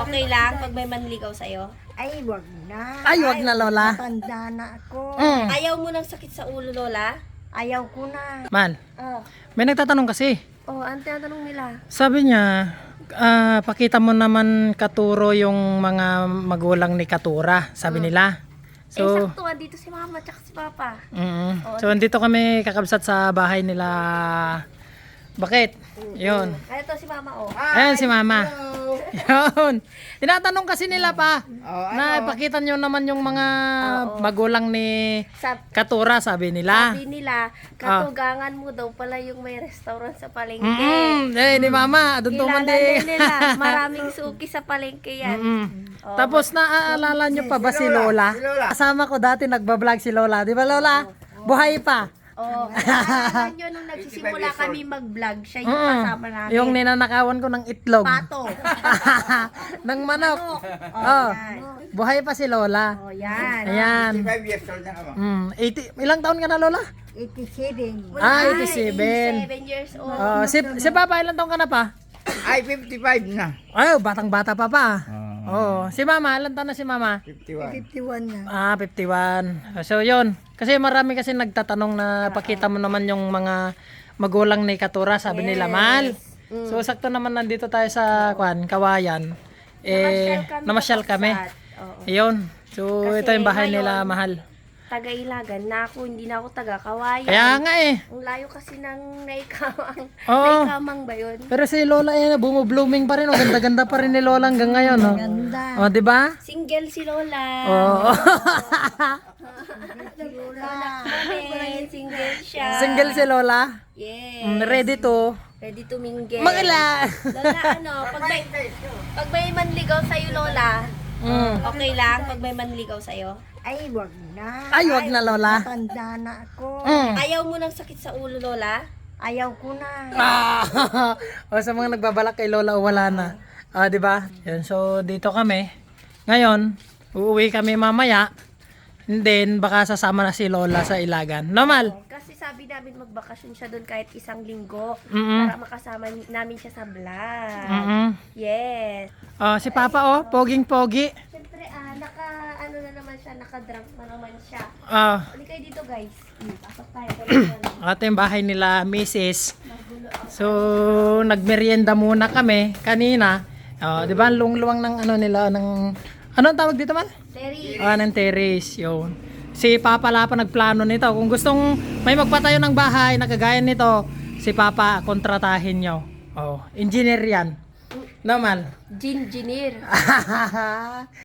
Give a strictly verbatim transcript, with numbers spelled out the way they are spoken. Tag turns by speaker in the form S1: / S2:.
S1: Okay lang pag may manligaw sa'yo?
S2: Ay, wag na.
S3: Ay, wag na, Lola.
S2: Matanda na ako.
S3: Mm.
S1: Ayaw mo ng sakit sa ulo, Lola?
S2: Ayaw ko na.
S3: Man,
S1: Oh.
S3: may nagtatanong kasi.
S1: Oh, ano tinatanong nila?
S3: Sabi niya, ah, pakita mo naman Katuro yung mga magulang ni Katura, sabi nila.
S1: eh,
S3: So,
S1: sakto, dito si mama at si papa.
S3: mm, so andito kami kakabsat sa bahay nila. Bakit? Yun.
S1: Kaya to si mama, oh.
S3: Ayan si mama. Yun. Tinatanong kasi nila pa
S2: Oh,
S3: na ipakita nyo naman yung mga magulang ni
S1: Sa,
S3: Katura, sabi nila.
S1: sabi nila, katugangan mo daw pala yung may restaurant sa palengke.
S3: Mm, eh, ni mama, doon tuman
S1: Kilala din
S3: di.
S1: nila. Maraming suki sa palengke yan.
S3: Mm. Tapos naaalala nyo pa ba si Lola? Kasama ko dati nagbablog si Lola. Di ba Lola? Buhay pa.
S1: Oh, naalala nyo nung nagsisimula kami mag-vlog, siya yung kasama namin.
S3: Yung ninanakawan ko ng itlog.
S1: Pato.
S3: ng manok. Oh, buhay pa si Lola.
S1: Oh, yan.
S3: Ayan.
S4: five years old na ako.
S3: Mm, eighty, ilang taon ka na Lola?
S2: eighty-seven.
S3: Ah,
S1: Ay,
S3: eighty-seven.
S1: eighty-seven years old.
S3: Oh, si, si Papa, ilang taon ka na pa?
S4: Ay, fifty-five na.
S3: Ay, batang-bata pa pa.
S4: Ah.
S3: Oh, si Mama, ilang taon na si Mama?
S4: fifty-one.
S2: fifty-one na.
S3: Ah, fifty-one. So, yun. Kasi marami kasi nagtatanong na pakita mo naman yung mga magulang ni Katura, sabi nila, Mal. So, sakto naman nandito tayo sa kwan, Kawayan. Eh, namasyal kami.
S1: Oo.
S3: Ayun. So,
S1: Kasi
S3: ito yung bahay
S1: ngayon,
S3: nila, mahal.
S1: Taga-Ilagan na ako, hindi na ako taga-Kawayan.
S3: Kaya nga eh.
S1: Ang layo kasi ng naikamang.
S3: Oo.
S1: Naikamang ba yun?
S3: Pero si Lola eh, bumu-blooming pa rin. Oh. Ganda-ganda pa rin ni Lola hanggang ngayon. Oh,
S2: Ganda.
S3: oh di ba?
S1: Single si Lola.
S3: Oh.
S2: Lola.
S1: Amen, single siya.
S3: Single si Lola.
S1: Yes.
S3: Mm, ready to.
S1: Ready to mingle.
S3: Magala.
S1: Lola, ano, pag may, pag may manligaw sa'yo, Lola,
S3: Mm.
S1: okay lang pag may manligaw sa'yo?
S2: Ay, wag na.
S3: Ay, wag na Lola.
S2: Matanda na ako.
S3: Mm.
S1: Ayaw mo ng sakit sa ulo, Lola?
S2: Ayaw ko na.
S3: Ah, o sa mga nagbabalak kay Lola o wala na. Ah, 'di ba? Yan, so dito kami. Ngayon, uuwi kami mamaya. And then baka sasama na si Lola sa Ilagan. Normal.
S1: Kasi sabi namin magbakasyon siya doon kahit isang linggo
S3: Mm-mm.
S1: para makasama ni- namin siya sa vlog.
S3: Mhm.
S1: Yes.
S3: Ah, si Papa oh, poging-pogi.
S1: Siyempre, ah, naka, ano na naman siya, naka-drunk na naman siya.
S3: Ah,
S1: Hindi kayo dito, guys. Hmm, pasok tayo.
S3: ito yung bahay nila, Missus So, nagmerienda muna kami kanina. Ah, 'di ba? Lungluwang ng ano nila ng ano ang tawag dito man?
S1: Terry.
S3: Ah, ng terrace, yun. Si Papa Lapa nagplano nito. Kung gustong may magpatayo ng bahay na kagaya nito, si Papa kontratahin nyo. Oh, engineer yan. Normal.
S1: Gin Ginir.